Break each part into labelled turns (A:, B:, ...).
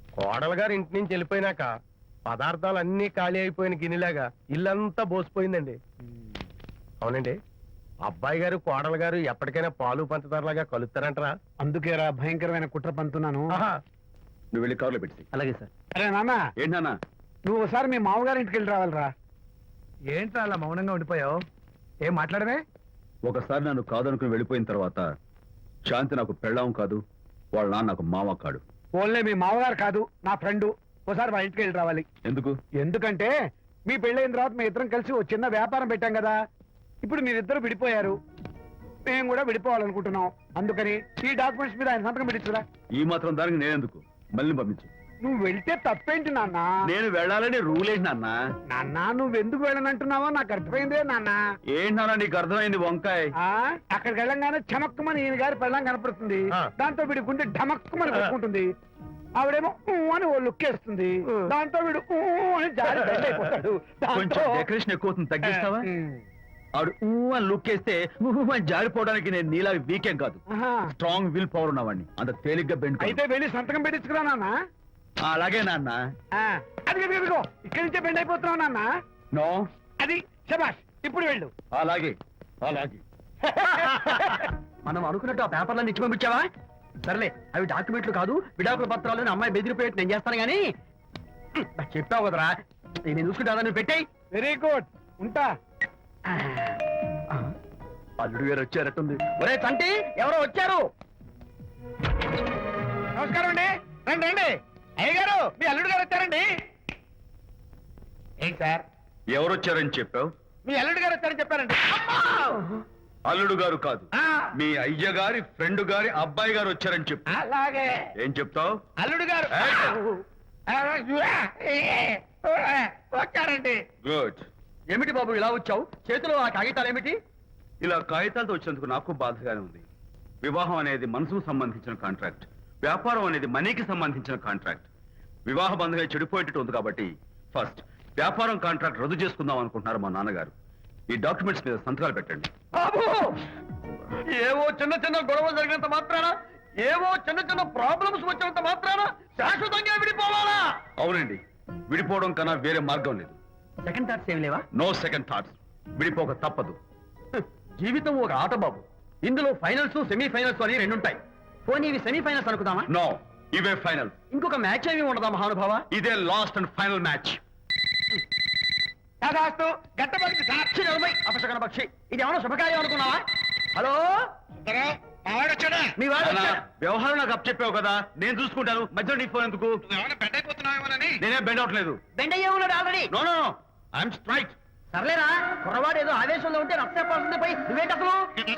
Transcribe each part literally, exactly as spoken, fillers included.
A: కోడలు గారు ఇంటి నుంచి వెళ్ళిపోయినాక పదార్థాలు అన్ని ఖాళీ అయిపోయిన గిన్నెలాగా ఇల్లంతా బోసిపోయిందండి. అవునండి, అబ్బాయి గారు కోడలు గారు ఎప్పటికైనా పాలు పంచదారలాగా కలుస్తారంటరా?
B: అందుకేరా భయంకరమైన కుట్ర పంతున్నాను.
C: నువ్వు వెళ్ళి కారులో పెట్టి.
B: అలాగే సార్. అరే నాన్న,
C: ఏంటన్నా?
B: నువ్వు ఒకసారి మీ మామగారి ఇంటికి వెళ్ళి రావాలిరా.
A: ఏంట్రా అలా మౌనంగా ఉండిపోయావు? ఏం మాట్లాడమే?
C: ఒకసారి నన్ను కాదనుకుని వెళ్ళిపోయిన తర్వాత శాంతి నాకు పెళ్ళాం కాదు, వాళ్ళ నాన్న నాకు మామ కాడు.
B: ఓన్లే మీ మామగారు కాదు, నా ఫ్రెండ్. ఒకసారి మా ఇంటికి వెళ్ళి రావాలి.
C: ఎందుకు?
B: ఎందుకంటే మీ పెళ్ళైన తర్వాత మీ ఇద్దరం కలిసి ఓ చిన్న వ్యాపారం పెట్టాం కదా. ఇప్పుడు మీరిద్దరు విడిపోయారు, మేము కూడా విడిపోవాలనుకుంటున్నాం. అందుకని ఈ డాక్యుమెంట్స్ మీద ఆయన సంతకం పెట్టించురా.
C: ఈ మాత్రం దానికి నేనెందుకు? మళ్ళీ పంపించు.
B: నువ్వు వెళ్తే తప్పేంటి నాన్న?
C: నేను వెళ్ళాలని రూల్ ఏంటి నాన్న?
B: నాన్న, నువ్వు ఎందుకు వెళ్ళనంటున్నావో నాకు అర్థమైందే నాన్న.
C: ఏంటి నాన్న నీకు అర్థమైంది వంకాయ?
B: అక్కడికి వెళ్ళంగానే చమక్కుమని ఈయన గారి పెళ్ళం కనపడుతుంది. దాంతో వీడి గుండె ఢమక్కుమని కొట్టుకుంటుంది. ఆవిడేమో ఊ అని ఓ లుక్ వేస్తుంది. దాంతో వీడు ఊ అని జారి బెండ్ అయిపోతాడు.
C: కొంచెం డెకరేషన్ ఎక్కువ అవుతుంది, తగ్గిస్తావా? ఆవిడ ఊ అని లుక్ వేస్తే ఊ అని జారిపోవడానికి నేను నీలా వీకేం కాదు, స్ట్రాంగ్ విల్ పవర్ ఉన్నవాడిని. అంత తేలిగ్గా బెండ్.
B: అయితే వెళ్ళి సంతకం పెట్టించుకురా నాన్న.
C: అలాగే నాన్న.
B: అది ఇక్కడి నుంచే బెండ్ అయిపోతున్నావు నాన్న.
C: నో,
B: అది శబాష్. ఇప్పుడు వెళ్ళు.
C: అలాగే అలాగే.
B: మనం అనుకున్నట్టు ఆ పేపర్లను ఇచ్చి పంపించావా? సర్లే, అవి డాక్యుమెంట్లు కాదు, విడాకుల పత్రాలు. అమ్మాయి బెదిరిపోయేట్టు నేను చేస్తాను గానీ చెప్పావు కదరా, నేను చూసుకుంటా. నువ్వు పెట్టాయి. వెరీ గుడ్, ఉంటా.
C: అల్లుడు గారు వచ్చారట్టుంది.
B: ఒరే తంటి, ఎవరో వచ్చారు. నమస్కారం అండి. రండి రండి. అయ్య గారు, మీ అల్లుడు గారు వచ్చారండి. ఏంటి సార్?
C: ఎవరు వచ్చారని చెప్పావు?
B: మీ అల్లుడు గారు వచ్చారని చెప్పారండి.
C: అల్లుడు గారు కాదు, మీ అయ్య గారి ఫ్రెండ్ గారి అబ్బాయి గారు వచ్చారని చెప్పు.
B: అలాగే.
C: ఏం చెప్తావు?
B: అల్లుడు గారు వచ్చారండి.
C: గుడ్.
B: ఏమిటి బాబు ఇలా వచ్చావు? చేతిలో ఆ కాగితాలు ఏమిటి?
C: ఇలా కాగితాలతో వచ్చినందుకు నాకు బాధగానే ఉంది. వివాహం అనేది మనసుకు సంబంధించిన కాంట్రాక్ట్, వ్యాపారం అనేది మనీకి సంబంధించిన కాంట్రాక్ట్. వివాహ బంధంగా చెడిపోయేటట్టు ఉంది కాబట్టి ఫస్ట్ వ్యాపారం కాంట్రాక్ట్ రద్దు చేసుకుందాం అనుకుంటున్నారు మా నాన్నగారు. ఈ డాక్యుమెంట్స్ మీద సంతకాలు పెట్టండి.
B: బాబు, ఏవో చిన్న చిన్న గొడవలు జరిగినంత మాత్రాన, ఏవో చిన్న చిన్న ప్రాబ్లమ్స్ వచ్చినంత మాత్రాన శాశ్వతంగా విడిపోవాలా?
C: అవునండి, విడిపోవడం కన్నా వేరే మార్గం లేదు.
B: సెకండ్ థాట్స్ ఏమి లేవా?
C: No second thoughts. విడిపోక తప్పదు.
B: జీవితం ఒక ఆట బాబు. ఇందులో ఫైనల్స్, సెమీఫైనల్స్ అని రెండు ఉంటాయి. పోనీ ఇవి సెమీఫైనల్స్ అనుకుందామా?
C: నో, ఇవే ఫైనల్.
B: ఇంకొక మ్యాచ్ ఏమి ఉండదా మహానుభావ?
C: ఇదే లాస్ట్ అండ్ ఫైనల్ మ్యాచ్.
B: గట్టబడి సాక్షి నలభై అపశకన పక్షి. ఇది ఏమన్నా శుభకార్యం అనుకున్నావా? హలో, మీ వాడు
C: వ్యవహారం నాకు అప్ చెప్పావు కదా, నేను చూసుకుంటాను. మధ్యలో నీ ఫోన్ ఎందుకు? నేనే బెండ్ అవట్లేదు.
B: బెండ్ అయ్యే ఉన్నాడు already.
C: No no no, I'm straight.
B: సర్లేరా, కుర్రవాడు ఏదో ఆవేశంలో ఉంటే రక్త చెప్పాల్సింది పోయి నువ్వేంటి అసలు?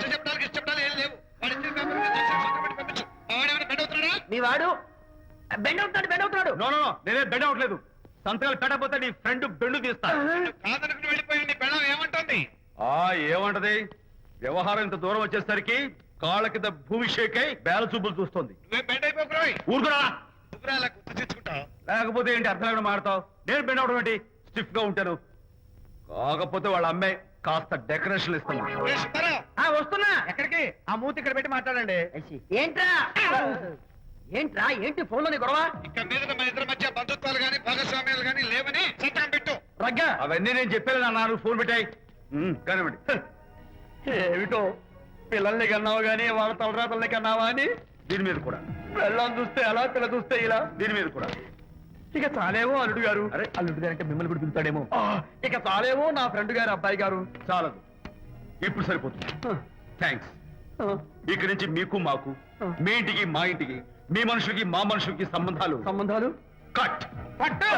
B: మీ వాడు బెండ్ అవుతున్నాడు, బెండ్ అవుతున్నాడు.
C: నో నో నో, నేనే బెండ్ అవట్లేదు. సంతకాలు పెట్టకపోతే నీ ఫ్రెండ్ బెండు తీస్తా.
B: ఏమంటుంది?
C: ఆ ఏమంటది? వ్యవహారం ఇంత దూరం వచ్చేసరికి కాళ్ళ కింద భూమి షేక్ అయి బేల చూపులు చూస్తుంది. ఊరుకురా, లేకపోతే ఏంటి అర్థం లేకుండా మాడతావు? నేను బెండ్ అవడం ఏంటి? స్టిఫ్ గా ఉంటాను. కాకపోతే వాళ్ళ అమ్మాయి కాస్త డెకరేషన్ ఇస్తాను.
B: వస్తున్నా. ఎక్కడికి? ఆ మూతి ఇక్కడ పెట్టి మాట్లాడండి. ఏంట్రా ఏంట్రా ఏంటి ఫోన్ లోని గొడవ?
D: ఇక్కడ మీద మన ఇద్దరి మధ్య బంధుత్వాలు గాని భాగస్వామ్యాలు గాని లేవని సంతకం పెట్టు.
B: రగ్గా,
C: అవన్నీ నేను చెప్పాను అన్నారు. ఫోన్ పెట్టాయి కానివ్వండి.
B: ఏమిటో పిల్లల్ని కన్నావు గానీ వాళ్ళ తలరాతల్ని కన్నావా అని.
C: దీని మీద కూడా
B: పిల్లల్ని చూస్తే అలా, పిల్ల చూస్తే ఇలా.
C: దీని మీద కూడా
B: ఇక చాలేమో అల్లుడు గారు.
C: అరే,
B: అల్లుడు గారు అంటే మిమ్మల్ని కూడా పిలుతాడేమో. ఇక చాలేమో నా ఫ్రెండ్ గారు అబ్బాయి గారు.
C: చాలదు, ఇప్పుడు సరిపోతుంది. థ్యాంక్స్. ఇక్కడి నుంచి మీకు మాకు, మీ ఇంటికి మా ఇంటికి, మీ మనుషులకి మా మనుషులకి సంబంధాలు
B: సంబంధాలు
C: కట్.
B: పట్టు.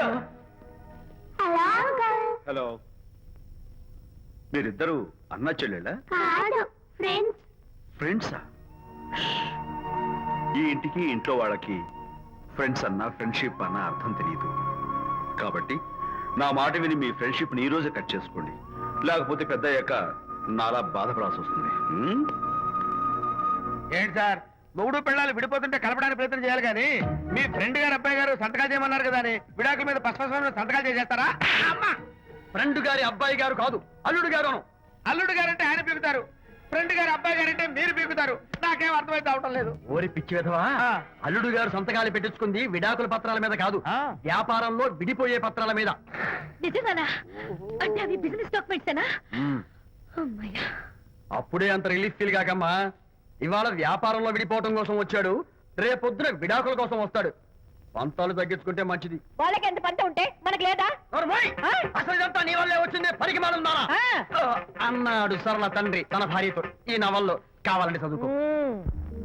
C: హలో, మీరిద్దరు అన్నా చెల్లెళ్ళా? ఫ్రెండ్సా? ఈ ఇంటికి ఇంట్లో వాళ్ళకి ఫ్రెండ్స్ అన్నా ఫ్రెండ్షిప్ అన్నా అర్థం తెలియదు. కాబట్టి నా మాట విని మీ ఫ్రెండ్షిప్ ని ఈ రోజే కట్ చేసుకోండి, లేకపోతే పెద్ద అయ్యాక నాలా బాధపడాల్సి వస్తుంది.
B: ఏంటి సార్, మొగుడు పిల్లలు విడిపోతుంటే కలపడానికి ప్రయత్నం చేయాలి కానీ మీ ఫ్రెండ్ గారు అబ్బాయి గారు సంతకాలు చేయమన్నారు కదా అని విడాకుల మీద పశ్చిమ సంతకాలు చేసేస్తారా? ఫ్రెండ్ గారి అబ్బాయి గారు కాదు, అల్లుడు గారు. అల్లుడు గారు అంటే ఆయన పిలుగుతారు.
E: ఫ్రెండ్ గారు అబ్బాయి గారు అంటే మీరు పీకుతారు నాకేం అర్థమైతే అవటం లేదు
B: ఓరి పిచ్చి విధవా
E: ఆ.
B: అల్లుడు గారు సంతకాలు పెట్టించుకుంది విడాకుల పత్రాల మీద కాదు
E: ఆ.
B: వ్యాపారంలో విడిపోయే పత్రాల మీద
F: నిజంగానా అంటే అవి బిజినెస్ డాక్యుమెంట్సేనా అమ్మయ్యా
B: అప్పుడే అంత రిలీఫ్ ఫీల్ కాకమ్మా ఇవాళ వ్యాపారంలో విడిపోవటం కోసం వచ్చాడు రేపొద్దున విడాకుల కోసం వస్తాడు పంతాలు తగ్గించుకుంటే మంచిది
F: వాళ్ళకి ఎంత పంట ఉంటే మనకి లేదా
B: నోర్మోయ్!
F: ఆ?
B: అసలు ఇదంతా నీ వల్లే వచ్చింది పరికి మాలుందా
F: ఆ.
B: అన్నాడు సరళ తండ్రి తన భార్యతో ఈ నవల్లో కావాలంటే చదువుకో
F: మ్మ్.